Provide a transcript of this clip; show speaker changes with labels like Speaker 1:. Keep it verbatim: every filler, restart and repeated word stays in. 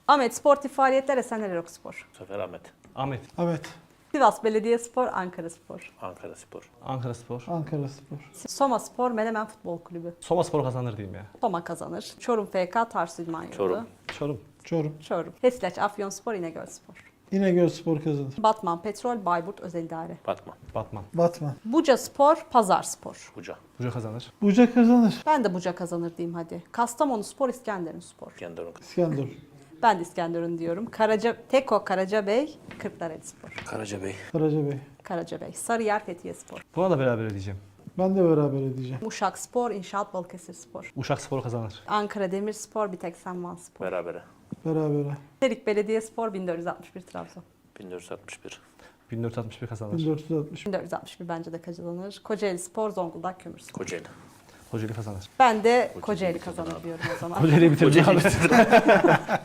Speaker 1: Ahmet Sportif Faaliyetler Esenler Erokspor.
Speaker 2: Bu sefer Ahmet.
Speaker 3: Ahmet.
Speaker 4: Evet.
Speaker 1: Sivas Belediyespor, Ankara Spor.
Speaker 2: Ankara Spor.
Speaker 3: Ankara Spor.
Speaker 4: Ankara Spor.
Speaker 1: Soma Spor, Menemen Futbol Kulübü.
Speaker 3: Soma Spor kazanır diyeyim ya.
Speaker 1: Soma kazanır. Çorum F K, Tarsus İdman Yurdu.
Speaker 2: Çorum.
Speaker 3: Çorum.
Speaker 4: Çorum.
Speaker 1: Çorum. Hesilaç Afyonspor, İnegöl Spor.
Speaker 4: İnegöl Spor kazanır.
Speaker 1: Batman Petrol, Bayburt Özel İdare.
Speaker 2: Batman.
Speaker 3: Batman.
Speaker 4: Batman.
Speaker 1: Buca Spor, Pazar Spor.
Speaker 2: Buca.
Speaker 3: Buca kazanır.
Speaker 4: Buca kazanır.
Speaker 1: Ben de Buca kazanır diyeyim hadi. Kastamonu Spor, İskenderun Spor.
Speaker 2: İskenderun.
Speaker 4: İskenderun.
Speaker 1: Ben de İskenderun diyorum. Karaca, Teko Karacabey, Kırklareli Spor.
Speaker 2: Karacabey.
Speaker 4: Karacabey.
Speaker 1: Karacabey. Sarıyer Fethiye Spor.
Speaker 3: Buna da beraber diyeceğim.
Speaker 4: Ben de beraber edeceğim.
Speaker 1: Uşak Spor, İnşaat Balıkesir Spor.
Speaker 3: Uşak Spor kazanır.
Speaker 1: Ankara Demirspor, Biteksen Van Spor.
Speaker 2: Berabere.
Speaker 4: Berabere.
Speaker 1: Terik Belediyespor, bin dört yüz altmış bir Trabzon.
Speaker 2: bin dört yüz altmış bir.
Speaker 3: bin dört yüz altmış bir kazanır.
Speaker 4: bin dört yüz altmış.
Speaker 1: bin dört yüz altmış bir bence de kazanır. Kocaeli Spor, Zonguldak Kömürspor.
Speaker 2: Kocaeli.
Speaker 3: Kocaeli kazanır.
Speaker 1: Ben de Kocaeli kazanır diyorum o zaman.
Speaker 3: Kocaeli'yi bitirdin abi.